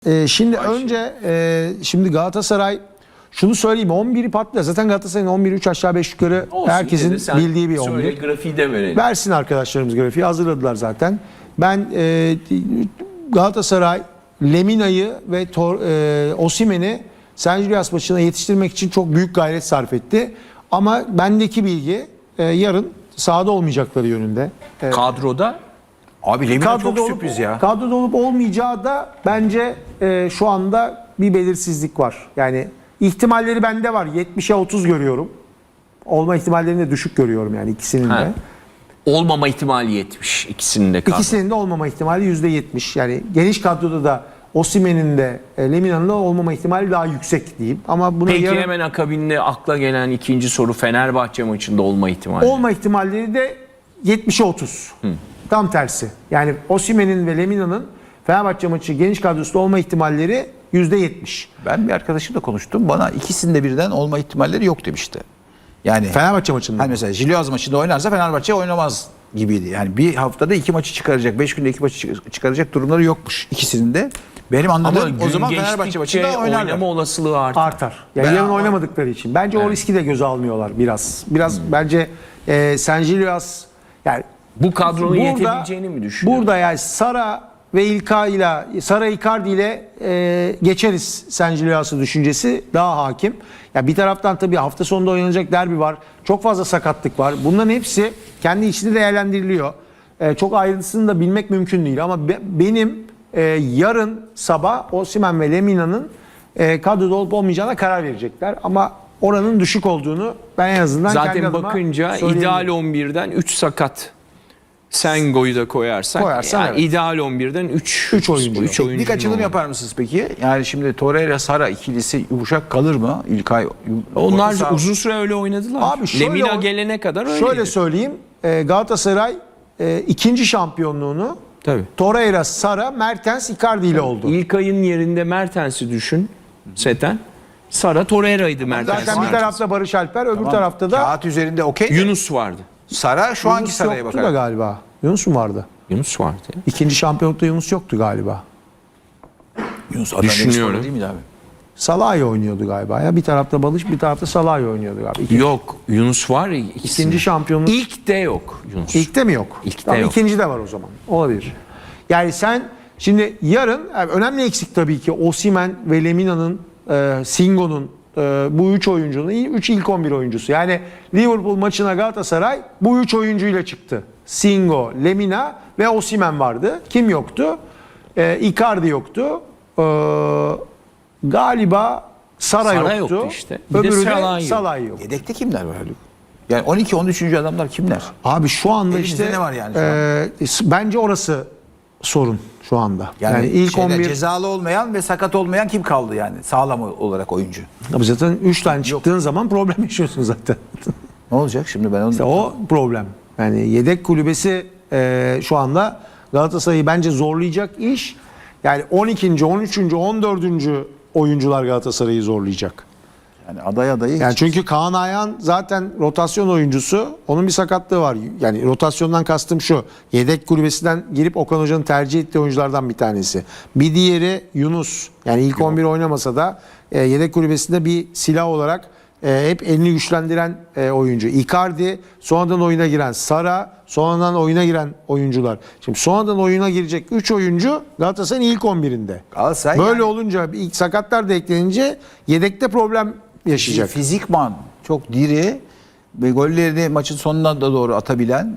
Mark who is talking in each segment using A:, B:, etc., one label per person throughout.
A: Şimdi önce şimdi Galatasaray şunu söyleyeyim, 11'i patlıyor. Zaten Galatasaray'ın 11'i 3 aşağı 5 yukarı
B: Olsun,
A: herkesin bildiği bir 11.
B: Söyle, grafiği de verelim.
A: Versin arkadaşlarımız grafiği, hazırladılar zaten. Ben Galatasaray Lemina'yı ve Osimhen'i San Julius maçına yetiştirmek için çok büyük gayret sarf etti. Ama bendeki bilgi yarın sahada olmayacakları yönünde.
B: Kadroda
C: Abi Lemina çok
A: Kadroda
C: sürpriz ya.
A: Kadroda olup olmayacağı da bence şu anda bir belirsizlik var. Yani ihtimalleri bende var. 70'e 30 görüyorum. Olma ihtimallerini de düşük görüyorum yani ikisinin de.
B: olmama ihtimali 70 ikisinin de kadro.
A: İkisinin de olmama ihtimali %70. Yani geniş kadroda da Osimhen'in de Lemina'nın da olmama ihtimali daha yüksek diyeyim. Ama buna
B: Peki
A: yarın
B: hemen akabinde akla gelen ikinci soru, Fenerbahçe maçında olma ihtimali.
A: olma ihtimalleri de 70'e 30. Tam tersi. Yani Osimhen'in ve Lemina'nın Fenerbahçe maçı geniş kadrosunda olma ihtimalleri %70.
C: Ben bir arkadaşımla konuştum. Bana ikisinde birden olma ihtimalleri yok demişti. Yani
A: Fenerbahçe maçında.
C: hani mesela Jilyaz maçında oynarsa Fenerbahçe oynamaz gibiydi. Yani bir haftada 2 maçı çıkaracak, 5 günde 2 maçı çıkaracak durumları yokmuş ikisinin de. Benim
B: Ama
C: anladığım o
B: gün
C: zaman Fenerbahçe
B: geçtikçe
C: maçında oynarlar.
B: oynama olasılığı artar.
A: Artar. Yani
C: Ben-
A: yarın oynamadıkları için. Bence o riski de göze almıyorlar biraz. Biraz bence San Julius yani
B: Bu kadronun yetebileceğini mi düşünüyorsun?
A: burada yani Sara ve Sara Icardi ile geçeriz San Julius'u düşüncesi daha hakim. Ya bir taraftan tabii hafta sonunda oynanacak derbi var. Çok fazla sakatlık var. Bunların hepsi kendi içinde değerlendiriliyor. Çok ayrıntısını da bilmek mümkün değil ama benim yarın sabah Osimhen ve Lemina'nın kadroda olup olmayacağına karar verecekler. Ama oranın düşük olduğunu ben en azından kendi
B: Zaten
A: adıma
B: bakınca
A: söyleyebilirim.
B: ideal 11'den 3 sakat. Sengo'yu da koyarsak
A: Koyarsan
B: yani
A: evet.
B: ideal 11'den 3
A: oyuncu.
C: Teknik açılım yapar mısınız peki? Yani şimdi Torreira Sara ikilisi yumuşak kalır mı? İlkay
B: Onlar
C: orta saha-
B: uzun süre öyle oynadılar.
A: Abi şöyle
B: Lemina gelene kadar öyleydi.
A: Şöyle söyleyeyim. Galatasaray ikinci şampiyonluğunu
B: Tabii.
A: Torreira, Sara, Mertens, Icardi ile oldu.
B: İlkay'ın yerinde Mertens'i düşün. Seten. Sara Torreira'ydı Mertens.
A: Zaten bir tarafta Barış Alper, öbür
C: Tamam.
A: tarafta da
C: Kağıt üzerinde okey.
B: Yunus vardı.
C: Sara şu anki
A: Yunus
C: Sara'ya
A: yoktu
C: bakar.
A: da galiba. Yunus mu vardı?
B: Yunus vardı ya.
A: İkinci şampiyonlukta Yunus yoktu galiba.
C: Yunus Adana
B: Düşünüyorum.
C: Demirspor'da değil miydi abi?
A: Salahi oynuyordu galiba ya. Bir tarafta Barış, bir tarafta Salahi oynuyordu galiba.
B: Yok. Yunus var ya.
A: İkinci şampiyonluk
B: İlk de yok Yunus.
A: İlkte mi yok?
B: İlkte
A: Tamam,
B: yok.
A: İkinci de var o zaman. Olabilir. Yani sen şimdi yarın yani önemli eksik tabii ki Osimhen ve Lemina'nın, Singo'nun, bu 3 oyuncunun 3 ilk 11 oyuncusu. Yani Liverpool maçına Galatasaray bu 3 oyuncuyla çıktı. Singo, Lemina ve Osimhen vardı. Kim yoktu? Icardi yoktu. Galiba Sara
B: Sara
A: yoktu.
B: yoktu işte. Bir de
A: Öbürü
B: Salah
A: de
B: yok.
A: Salah yok.
C: Yedekte kimler var Haluk? Yani 12-13. adamlar kimler?
A: Abi şu anda
C: Elimizde
A: işte
C: ne var yani şu
A: bence orası sorun şu anda. Yani, ilk
C: şeyler,
A: 11
C: cezalı olmayan ve sakat olmayan kim kaldı yani sağlam olarak oyuncu?
A: Abi zaten 3 tane çıktığın zaman problem yaşıyorsun zaten.
C: Ne olacak şimdi ben onu...
A: İşte o problem. Yani yedek kulübesi şu anda Galatasaray'ı bence zorlayacak iş. Yani 12. 13. 14. oyuncular Galatasaray'ı zorlayacak.
C: Yani adayı
A: Yani çünkü Kaan Ayhan zaten rotasyon oyuncusu. Onun bir sakatlığı var. Yani rotasyondan kastım şu. Yedek kulübesinden girip Okan Hoca'nın tercih ettiği oyunculardan bir tanesi. Bir diğeri Yunus. Yani ilk 11 oynamasa da yedek kulübesinde bir silah olarak hep elini güçlendiren oyuncu. Icardi, sonradan oyuna giren Sara, sonradan oyuna giren oyuncular. Şimdi sonradan oyuna girecek 3 oyuncu Galatasaray'ın ilk 11'inde.
C: Galatasaray
A: Böyle
C: yani-
A: olunca ilk sakatlar da eklenince yedekte problem yaşayacak.
C: fizikman çok diri ve gollerini maçın sonuna da doğru atabilen,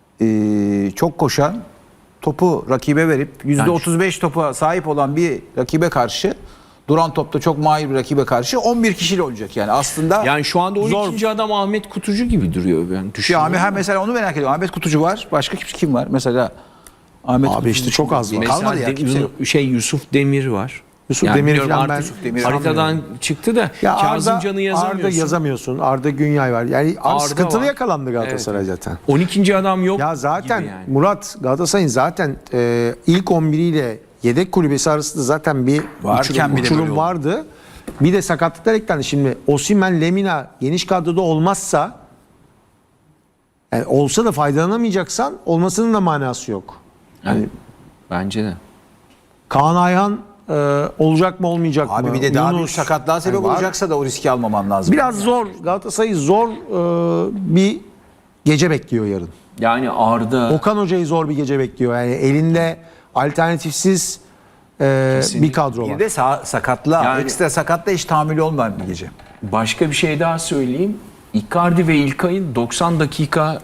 C: çok koşan, topu rakibe verip %35 topa sahip olan bir rakibe karşı, duran topta çok mahir bir rakibe karşı 11 kişiyle olacak yani aslında.
B: Yani şu anda 12. adam Ahmet Kutucu gibi duruyor ben
C: Ya
B: düşünüyorum.
C: mesela onu merak ediyorum. Ahmet Kutucu var. Başka kim var? Mesela Ahmet
A: Abi
C: Kutucu
A: işte çok az var.
B: Mesela
C: Kalmadı ya, kimse yok.
B: Yusuf Demir var.
A: Yusuf Demir'i
B: biliyorum
A: falan ben
B: artık
C: Demir
B: haritadan çıktı da Kazımcan'ı yazamıyorsun.
A: Arda yazamıyorsun. Arda Günyay var. Yani
B: Arda
A: sıkıntılı
B: var.
A: yakalandı Galatasaray zaten.
B: 12. adam yok
A: Ya zaten
B: gibi yani.
A: Murat, Galatasaray'ın zaten ilk 11 ile yedek kulübesi arasında zaten bir
C: Varken bir de
A: uçurum
C: böyle oldu.
A: vardı. Bir de sakatlıklar eklendi. Şimdi Osimhen, Lemina geniş kadroda olmazsa, yani olsa da faydalanamayacaksan olmasının da manası yok. Yani
B: Bence de.
A: Kaan Ayhan olacak mı olmayacak mı?
C: Abi bir de daha büyük
A: Yunus,
C: sakatlığa sebep
A: var.
C: olacaksa da o riski almaman lazım.
A: Biraz zor. Galatasaray'ı zor bir gece bekliyor yarın.
B: Yani Arda
A: Okan Hoca'yı zor bir gece bekliyor. Yani elinde alternatifsiz bir kadro
C: Bir
A: var.
C: de sakatlığa,
B: Yani-
C: ekstra sakatla hiç tahammülü olmayan bir gece.
B: başka bir şey daha söyleyeyim. Icardi ve İlkay'ın 90 dakika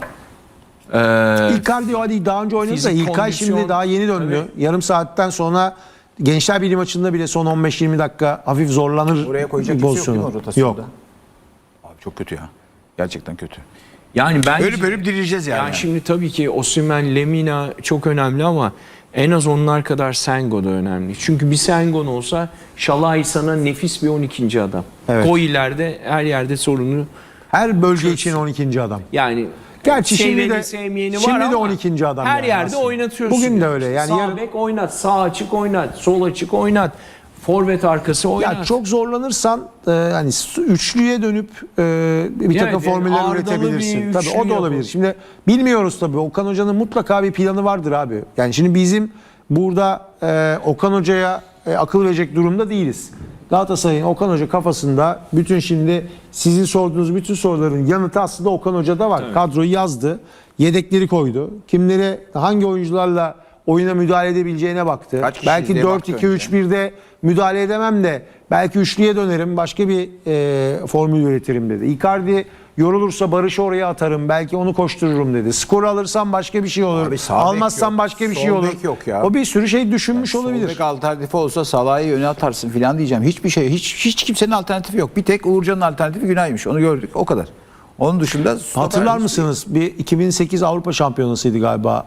A: İlkay diyor hadi daha önce oynadı da
B: fizik,
A: İlkay
B: kondisyon,
A: şimdi daha yeni döndü.
B: tabii.
A: Yarım saatten sonra Gençler Birliği maçında bile son 15-20 dakika hafif zorlanır.
C: Oraya koyacak
A: bir
C: kimse yok değil mi
A: pozisyonu.
C: o rotasyonda?
A: Yok.
C: Abi çok kötü ya. Gerçekten kötü.
B: yani bence
C: Bölüp dirileceğiz yani.
B: yani şimdi tabii ki Osimhen, Lemina çok önemli ama en az onlar kadar Sengo da önemli. Çünkü bir Sengon olsa Şalai sana nefis bir 12. adam.
A: Evet.
B: Koy ileride her yerde sorunu.
A: Her bölge için 12. adam.
B: Yani
A: Gerçi şimdi
B: seveni,
A: de
B: sevmeyeni
A: şimdi
B: var
A: de
B: ama
A: 12. adam.
B: her
A: yani
B: yerde
A: aslında.
B: oynatıyorsun.
A: Bugün de öyle. Yani
B: sağ
A: yarın-
B: bek oynat, sağ açık oynat, sol açık oynat, forvet arkası oynat.
A: ya çok zorlanırsan hani üçlüye dönüp bir takım
B: Evet,
A: formüller
B: ardalı bir
A: üretebilirsin. Tabii
B: üçlü
A: o da olabilir.
B: yapın.
A: Şimdi bilmiyoruz tabii. Okan Hoca'nın mutlaka bir planı vardır abi. Yani şimdi bizim burada Okan Hoca'ya akıl verecek durumda değiliz. Galatasaray'ın Okan Hoca kafasında bütün şimdi sizin sorduğunuz bütün soruların yanıtı aslında Okan Hoca'da var. Kadroyu yazdı. Yedekleri koydu. Kimlere hangi oyuncularla oyuna müdahale edebileceğine baktı.
C: Kaç kişiyiz
A: Belki
C: diye baktı
A: 4-2-3-1'de müdahale edemem de belki üçlüye dönerim. Başka bir formül üretirim dedi. Icardi yorulursa Barış'ı oraya atarım. Belki onu koştururum dedi. Skoru alırsam başka bir şey olur.
C: Abi sağ bek
A: Almazsam
C: yok,
A: başka bir
C: sol
A: şey olur.
C: bek yok ya.
A: O bir sürü şey düşünmüş
C: Sol
A: olabilir.
C: bek alternatifi olsa Salah'ı öne atarsın filan diyeceğim. Hiçbir şey, hiç kimsenin alternatifi yok. Bir tek Uğurcan'ın alternatifi Günay'mış. Onu gördük. O kadar. Onun dışında
A: Hatırlar mısınız? Bir 2008 Avrupa Şampiyonası'ydı galiba.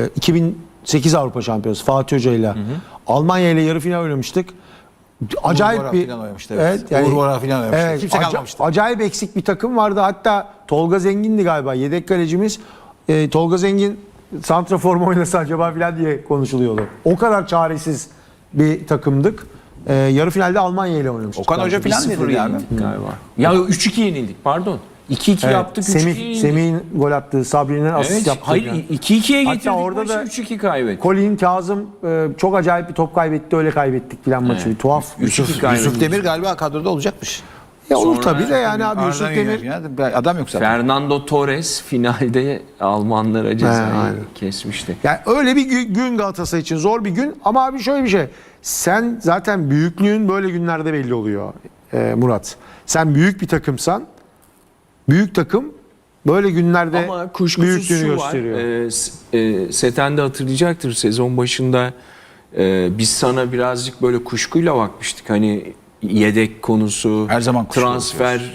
A: 2008 Avrupa Şampiyonası Fatih Hoca ile. Almanya ile yarı final oynamıştık. Acayip
C: Bora
A: bir
C: filan oynamıştı, evet. Uğur Bora filan oynamıştı. Kimse kalmamıştı.
A: Acayip eksik bir takım vardı. Hatta Tolga Zengin'di galiba yedek kalecimiz. Tolga Zengin santrafor mu oynasa acaba filan diye konuşuluyordu. O kadar çaresiz bir takımdık. Yarı finalde Almanya ile oynamıştık.
C: Okan Hoca filan
B: 1-0
C: dedi yani.
B: yenildik galiba. Ya 3-2 yenildik pardon. 2-2
A: Evet,
B: yaptık, 3-2 yenildik.
A: Semih'in gol attığı, Sabri'nin asist
B: Evet,
A: yaptığı.
B: hayır
A: yani.
B: 2-2'ye
A: Hatta
B: getirdik
A: orada
B: maçı,
A: da
B: 3-2 kaybettik.
A: Colin Kazım çok acayip bir top kaybetti, öyle kaybettik filan maçı. Bir tuhaf.
B: 3-2 kaybettik.
C: Yusuf Demir galiba kadroda olacakmış.
A: Ya olur
B: Sonra-
A: tabii de yani abi Yusuf
C: Arda'nın
A: Demir
C: yönetimi, adam yok zaten.
B: Fernando Torres finalde Almanlara cezayı
A: aynen.
B: kesmişti.
A: yani öyle bir gün Galatasaray için zor bir gün ama abi şöyle bir şey. Sen zaten büyüklüğün böyle günlerde belli oluyor Murat. Sen büyük bir takımsan büyük takım böyle günlerde
B: Ama kuşkusuz
A: büyüklüğünü
B: şu
A: gösteriyor.
B: var. Seten de hatırlayacaktır sezon başında biz sana birazcık böyle kuşkuyla bakmıştık. Hani yedek konusu,
C: Her zaman kuşku
B: transfer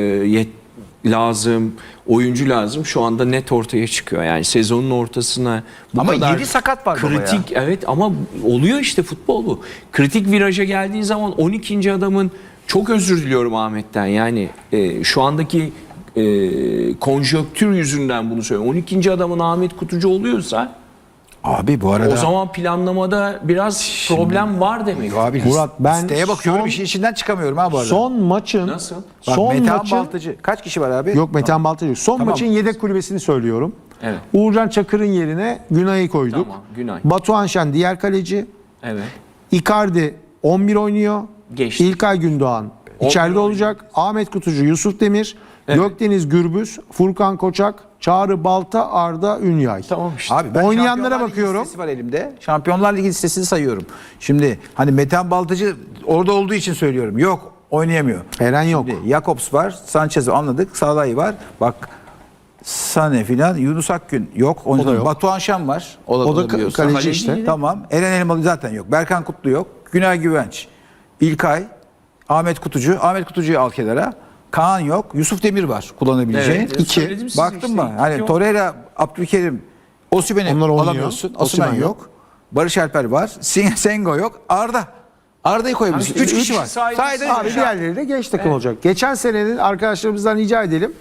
B: lazım, oyuncu lazım. Şu anda net ortaya çıkıyor. Yani sezonun ortasına bu
C: Ama
B: kadar
C: 7 sakat var baba ya.
B: kritik, evet ama oluyor işte futbol bu. Kritik viraja geldiği zaman 12. adamın, çok özür diliyorum Ahmet'ten, yani şu andaki konjonktür yüzünden bunu söylüyorum. 12. adamın Ahmet Kutucu oluyorsa
C: Abi bu arada.
B: o zaman planlamada biraz problem var demek.
C: Abi,
A: Murat, ben
C: listeye bakıyorum,
A: son-
C: işin içinden çıkamıyorum ha bu arada.
A: Son maçın
B: Nasıl?
C: Bak,
A: son
C: Metehan
A: maçın
C: Baltacı. Kaç kişi var abi?
A: yok Metehan Baltacı yok. Son
C: Tamam.
A: maçın yedek kulübesini söylüyorum.
B: Evet.
A: Uğurcan Çakır'ın yerine Günay'ı koyduk.
B: Tamam, Günay.
A: Batuhan Şen diğer kaleci.
B: Evet.
A: Icardi 11 oynuyor.
B: Geçti.
A: İlkay Gündoğan içeride
B: oynuyor.
A: olacak. Ahmet Kutucu, Yusuf Demir,
B: Evet.
A: Gökdeniz Gürbüz, Furkan Koçak, Çağrı Balta, Arda Ünyay.
B: Tamam işte.
C: Abi ben
A: Oynayanlara
C: Şampiyonlar Ligi
A: bakıyorum.
C: listesi var elimde. Şampiyonlar Ligi listesini sayıyorum. Şimdi hani Metehan Baltacı orada olduğu için söylüyorum. Yok, oynayamıyor.
A: Eren yok.
C: Şimdi Jakobs var, Sanchez anladık, Salah'ı var. Bak Sane filan, Yunus Akgün yok.
A: O da yok.
C: Batuhan Şen var. O da
A: kaleci
C: Kaleci
A: işte.
C: Tamam. Eren Elmalı zaten yok. Berkan Kutlu yok. Günay Güvenç, İlkay, Ahmet Kutucu. Ahmet Kutucu'yu al kenara. Kaan yok. Yusuf Demir var kullanabileceğin.
B: Evet,
C: İki.
B: söyledim size
C: Baktın
B: işte.
C: mı? Hani
B: İki
C: Torreira, Abdülkerim, Osimhen'i
A: Onlar oynuyor.
C: alamıyorsun.
A: Osimhen
C: Osimhen yok. Barış Alper var. Sengo yok. Arda'yı koyabilirsin.
B: Abi,
C: 3 kişi var.
B: saydın.
C: Saydın.
A: Abi diğerleri de genç takım olacak. Geçen senenin arkadaşlarımızdan rica edelim.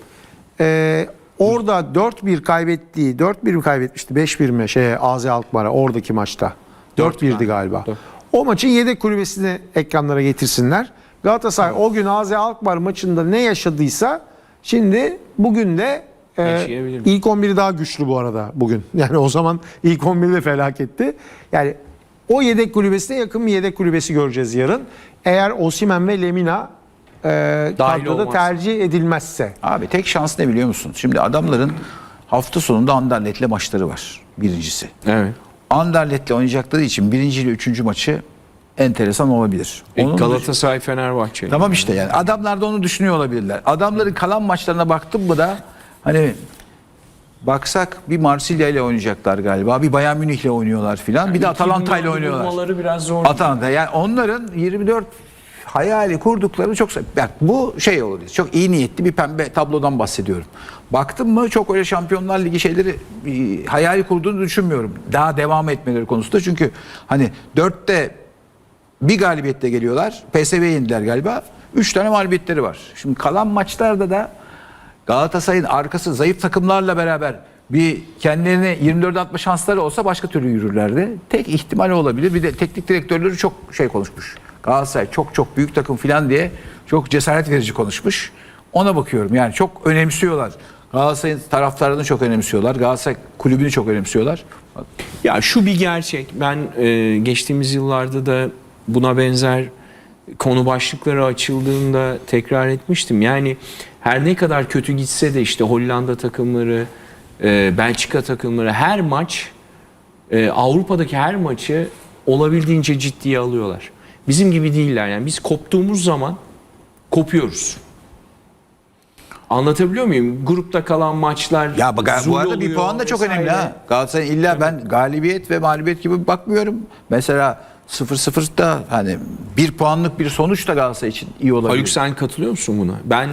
A: Orada 4-1 kaybettiği, 4-1 mi kaybetmişti? 5-1 mi AZ Alkmaar'a oradaki maçta? 4-1'di galiba. O maçın yedek kulübesini ekranlara getirsinler. Galatasaray o gün AZ Alkmaar maçında ne yaşadıysa şimdi bugün de
B: Yaşayabilir.
A: ilk 11'i daha güçlü bu arada bugün. Yani o zaman ilk 11'i de felaketti. Yani O yedek kulübesine yakın bir yedek kulübesi göreceğiz yarın. Eğer Osimhen ve Lemina kadroda
B: olmazsa.
A: tercih edilmezse.
C: Abi tek şans ne biliyor musun? Şimdi adamların hafta sonunda Anderlet'le maçları var. Birincisi.
B: Evet.
C: Anderlet'le oynayacakları için birinci ile üçüncü maçı enteresan olabilir. Onun
B: Galatasaray Fenerbahçe.
C: Tamam işte yani adamlar da onu düşünüyor olabilirler. Adamların kalan maçlarına baktım mı da hani baksak bir Marsilya ile oynayacaklar galiba. Bir Bayern Münih ile oynuyorlar filan. Bir de Atalanta ile oynuyorlar.
B: Bulmaları biraz zor.
C: Atalanta yani onların 24 hayali kurdukları çok bak bu şey olabilir. Çok iyi niyetli bir pembe tablodan bahsediyorum. Baktım mı çok öyle Şampiyonlar Ligi şeyleri hayali kurduğunu düşünmüyorum. Daha devam etmeleri konusunda. Çünkü hani 4'te bir galibiyetle geliyorlar. PSV'ye yendiler galiba. 3 tane mağlubiyetleri var. Şimdi kalan maçlarda da Galatasaray'ın arkası zayıf takımlarla beraber bir kendilerine 24'e atma şansları olsa başka türlü yürürlerdi. Tek ihtimali olabilir. Bir de teknik direktörleri çok şey konuşmuş. Galatasaray çok büyük takım falan diye çok cesaret verici konuşmuş. Ona bakıyorum. Yani çok önemsiyorlar. Galatasaray'ın taraftarını çok önemsiyorlar. Galatasaray kulübünü çok önemsiyorlar.
B: Ya şu bir gerçek. Ben geçtiğimiz yıllarda da buna benzer konu başlıkları açıldığında tekrar etmiştim. Yani her ne kadar kötü gitse de işte Hollanda takımları, Belçika takımları her maç, Avrupa'daki her maçı olabildiğince ciddiye alıyorlar. Bizim gibi değiller. Yani biz koptuğumuz zaman kopuyoruz. Anlatabiliyor muyum? Grupta kalan maçlar
C: Ya bak, bu
B: zul
C: arada bir
B: oluyor
C: puan da çok
B: vesaire.
C: önemli ha. Galatasaray'ın illa ben galibiyet ve mağlubiyet gibi bakmıyorum. Mesela 0-0'da hani bir puanlık bir sonuç da Galatasaray için iyi olabilir.
B: Haluk sen katılıyor musun buna? Ben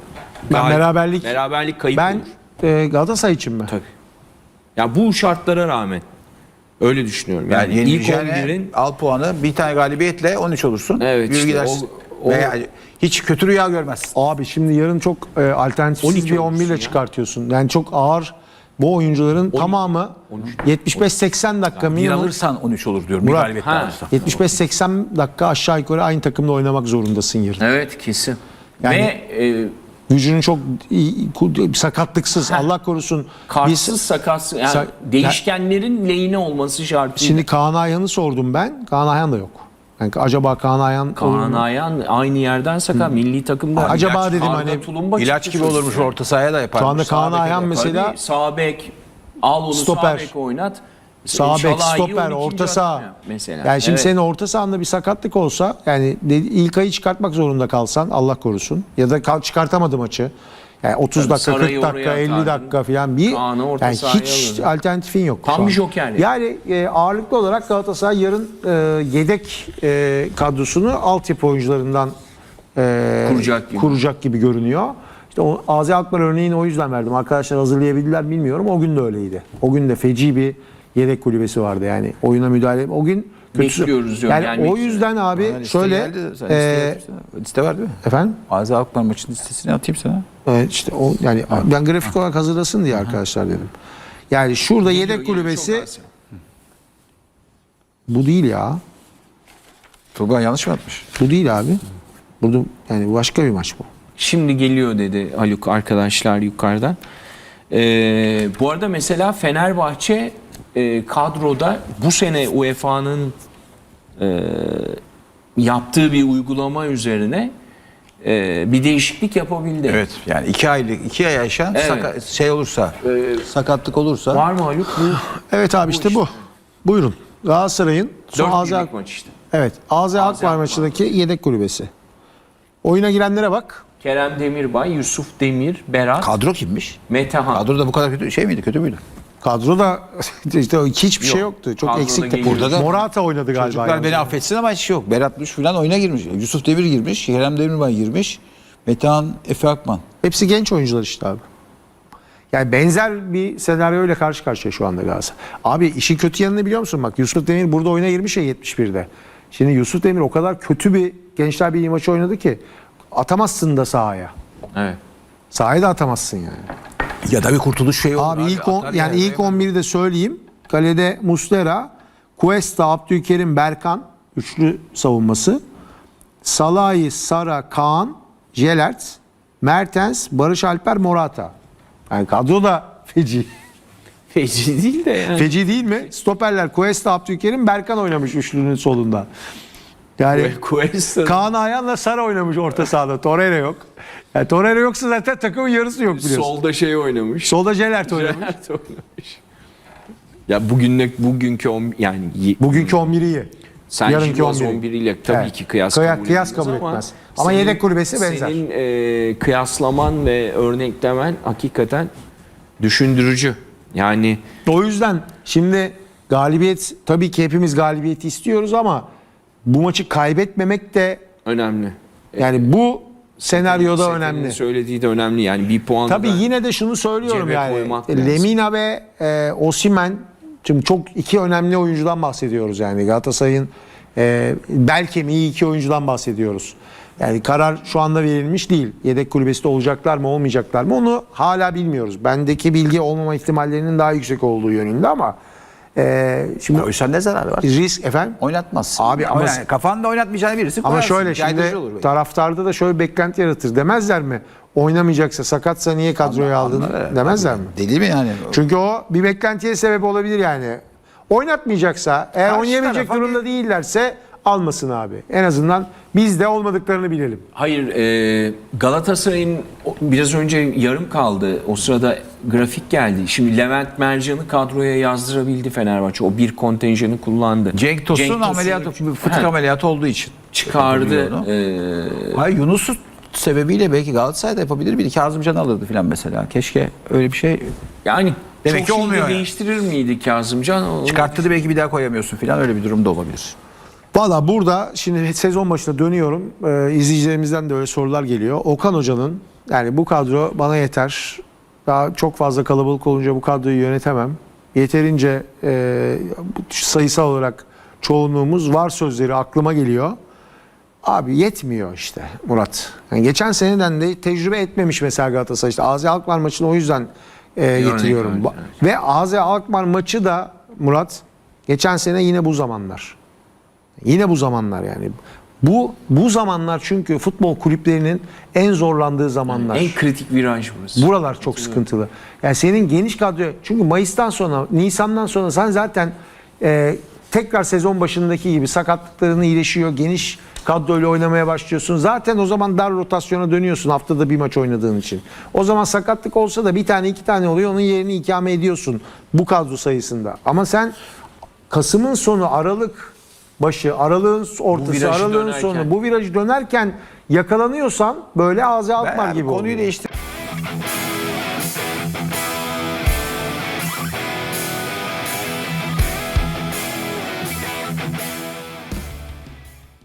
B: beraberlik kayıp
A: Ben
B: olur.
A: Galatasaray için mi?
B: Tabii. Ya bu şartlara rağmen öyle düşünüyorum. Yani, ilk
C: yenileceğine
B: 11'in
C: al puanı bir tane galibiyetle 13 olursun.
B: Evet,
C: Yürü
B: işte
C: gidersin.
B: o-
C: Veya hiç kötü rüya görmezsin.
A: Abi şimdi yarın çok alternatifsiz
B: 12
A: bir 11 ile
B: olmuşsun ya.
A: çıkartıyorsun. Yani çok ağır bu oyuncuların tamamı 75-80 dakika
C: Bir
A: minimum.
C: alırsan 13 olur diyorum. Bir
A: Murat,
C: galibiyetle
B: ha.
C: alırsan.
A: 75-80 dakika aşağı yukarı aynı takımda oynamak zorundasın yarın.
B: evet kesin.
A: Yani-
B: Ve
A: Gücünün çok sakatlıksız Allah korusun.
B: kartsız sakatsız yani değişkenlerin lehine olması şartıyla.
A: Şimdi Kaan Ayhan'ı sordum ben. Kaan Ayhan da yok. Yani acaba Kaan Ayhan olur
B: Kaan
A: mu?
B: Ayhan aynı yerden sakat. Milli takımda.
A: Acaba
B: İlaç,
A: dedim
B: Arda
A: hani
B: Tulumba
C: İlaç
B: çıktı
C: gibi olurmuş
B: sözüne.
C: orta sahaya da yaparmış.
A: Şu anda Kaan
C: Sağ beke
A: Ayhan
C: de yapar.
A: mesela
B: Tabii, sağ bek al onu
A: Stoper.
B: sağ bek oynat.
A: sağ bek,
B: Şalai'yi
A: stoper,
B: 12.
A: orta saha.
B: adam yap mesela.
A: Yani şimdi
B: Evet.
A: senin orta sahanda bir sakatlık olsa yani İlkay'ı çıkartmak zorunda kalsan Allah korusun ya da çıkartamadı maçı. Yani 30
B: Tabii
A: dakika, 40
B: Saray'ı
A: dakika,
B: oraya
A: 50
B: atardın.
A: dakika falan bir
B: Kaan'ı orta
A: yani
B: sahaya
A: hiç
B: alırdın.
A: alternatifin yok.
B: Tam
A: şu an.
B: bir joker
A: Yani ağırlıklı olarak Galatasaray yarın yedek kadrosunu altyapı oyuncularından kuracak gibi görünüyor. İşte o AZ Alkmaar örneğini o yüzden verdim. Arkadaşlar hazırlayabildiler bilmiyorum. O gün de öyleydi. O gün de feci bir yedek kulübesi vardı yani. Oyuna müdahale. O gün kötüsü.
B: Bekliyoruz diyorum,
A: Yani
B: gelmek
A: o
B: üzere.
A: yüzden abi
C: Bana liste
A: şöyle
C: geldi. Sen liste yapsana. Liste var değil mi?
A: efendim
C: Azi Alkmaar maçının listesini atayım sana.
A: işte o yani ben grafik olarak hazırlasın diye arkadaşlar dedim. Yani şurada yedek kulübesi bu değil ya.
C: Turgay yanlış mı atmış?
A: Bu değil abi. Burada yani başka bir maç bu.
B: Şimdi geliyor dedi Haluk arkadaşlar yukarıdan. Bu arada mesela Fenerbahçe kadroda bu sene UEFA'nın yaptığı bir uygulama üzerine bir değişiklik yapabildi.
C: Evet. Yani 2 ay yaşayan
B: Evet.
C: şey olursa, sakatlık olursa
B: Var mı Haluk? Bu
A: Evet abi işte bu. Buyurun. Galatasaray'ın son
B: 4
A: AZ
B: birlik maç işte.
A: Evet. AZ Alkmaar
B: Alkmaar.
A: maçındaki yedek kulübesi. Oyuna girenlere bak.
B: Kerem Demirbay, Yusuf Demir, Berat,
C: kadro kimmiş?
B: Metehan.
C: Kadro da bu kadar kötü şey miydi? Kötü müydü?
A: Kadroda işte hiçbir şey
B: Yok.
A: yoktu. Çok
B: Kadroda
A: eksikti.
B: geliyor.
C: Burada da-
A: Morata oynadı galiba.
C: Çocuklar
A: yalnız.
C: beni affetsin ama hiç yok. Berat Luş falan oyuna girmiş. Yusuf Demir girmiş. Kerem Demirbay girmiş. Metehan Efe Akman.
A: Hepsi genç oyuncular işte abi. Yani benzer bir senaryoyla karşı karşıya şu anda Galatasaray. Abi işin kötü yanını biliyor musun? Bak Yusuf Demir burada oyuna girmiş ya 71'de. Şimdi Yusuf Demir o kadar kötü bir Gençler Birliği maçı oynadı ki atamazsın da sahaya.
B: Evet.
A: Sahaya da atamazsın yani.
C: Ya da bir kurtuluş şeyi olur.
A: Abi ilk 11'i de söyleyeyim. Kalede Muslera, Cuesta, Abdülkerim, Berkan üçlü savunması. Salahi, Sara, Kaan, Jelert, Mertens, Barış Alper, Morata. Yani kadro da feci.
B: Feci değil de yani.
A: Feci değil mi? Stoperler Cuesta, Abdülkerim, Berkan oynamış üçlünün solunda. Yani
B: Cuesta.
A: Kaan Ayhan'la Sara oynamış orta sahada. Torreira yok. Yani Torreira yoksa zaten takımın yarısı yok biliyorsun.
B: Solda şey oynamış.
A: Solda Jelert oynamış.
B: Gerard oynamış. Ya bugünkü yani
A: Bugünkü 11'i iyi.
B: sen
A: yarınki
B: Şivaz
A: 11'i.
B: 11 ile tabii
A: Evet.
B: ki kıyas
A: Kıyas
B: kabul
A: kabul
B: edilmez
A: etmez. Ama yedek kulübesi benzer.
B: Senin kıyaslaman ve örneklemen hakikaten düşündürücü. Yani
A: O yüzden şimdi galibiyet, tabii ki hepimiz galibiyeti istiyoruz ama bu maçı kaybetmemek de
B: önemli.
A: yani bu senaryoda
B: Sefer'in
A: önemli.
B: söylediği de önemli. Yani bir puan
A: Tabii
B: da
A: yine de şunu söylüyorum
B: cebe
A: yani.
B: koymak lazım.
A: Lemina ve Osimhen, şimdi çok iki önemli oyuncudan bahsediyoruz yani. Galatasaray'ın bel kemiği iki oyuncudan bahsediyoruz. Yani karar şu anda verilmiş değil. Yedek kulübesinde olacaklar mı olmayacaklar mı onu hala bilmiyoruz. Bendeki bilgi olmama ihtimallerinin daha yüksek olduğu yönünde ama şimdi
C: Koysan ne zararı var?
A: risk efendim.
C: Oynatmazsın.
A: Abi ama-
C: yani kafanda oynatmayacağını birisi
A: Ama
C: koyarsın.
A: şöyle
C: Caydırıcı
A: şimdi
C: olur belki.
A: taraftarda da şöyle bir beklenti yaratır. Demezler mi? Oynamayacaksa, sakatsa niye kadroya aldın
C: Anlar,
A: demezler mi?
C: Deli mi yani?
A: Çünkü o bir beklentiye sebep olabilir yani. Oynatmayacaksa, eğer
C: Karşı
A: oynayamayacak
C: tarafa
A: durumda değillerse almasın abi. En azından biz de olmadıklarını bilelim.
B: hayır, Galatasaray'ın biraz önce yarım kaldı. O sırada grafik geldi. Şimdi Levent Mercan'ı kadroya yazdırabildi Fenerbahçe. O bir kontenjanı kullandı.
C: Cenk Tosun
B: Tosun'u
C: ameliyatı, fıtık ameliyatı olduğu için.
B: çıkardı.
C: Onu. Hayır, Yunus'u sebebiyle belki Galatasaray'da yapabilir miydi? Kazımcan'ı alırdı falan mesela. Keşke öyle bir şey
B: Yani
C: Demek
B: çok
C: ki
B: şey de
C: olmuyor yani.
B: değiştirir miydi Kazımcan? Onu-
C: çıkarttı, belki bir daha koyamıyorsun falan, öyle bir durum da olabilir.
A: Valla burada şimdi sezon başına dönüyorum. İzleyicilerimizden de öyle sorular geliyor. Okan Hoca'nın yani bu kadro bana yeter. Daha çok fazla kalabalık olunca bu kadroyu yönetemem. Yeterince sayısal olarak çoğunluğumuz var sözleri aklıma geliyor. Abi yetmiyor işte Murat. Yani geçen seneden de tecrübe etmemiş mesela Galatasaray. İşte AZ Alkmaar maçını o yüzden getiriyorum.
B: örnek,
A: Ve AZ Alkmaar maçı da Murat geçen sene yine bu zamanlar. Yine bu zamanlar yani. Bu zamanlar çünkü futbol kulüplerinin en zorlandığı zamanlar.
B: En kritik viraj burası.
A: Buralar çok sıkıntılı. Yani senin geniş kadro, çünkü Mayıs'tan sonra, Nisan'dan sonra sen zaten tekrar sezon başındaki gibi sakatlıkların iyileşiyor, geniş kadroyla oynamaya başlıyorsun. Zaten o zaman dar rotasyona dönüyorsun haftada bir maç oynadığın için. O zaman sakatlık olsa da bir tane iki tane oluyor, onun yerini ikame ediyorsun bu kadro sayısında. Ama sen Kasım'ın sonu, Aralık başı, Aralık'ın ortası,
B: virajı
A: Aralık'ın
B: dönerken.
A: sonu bu virajı dönerken yakalanıyorsan böyle AZ Alkmaar
C: Ben
A: gibi
C: konuyu
A: oluyor.
C: değiştir.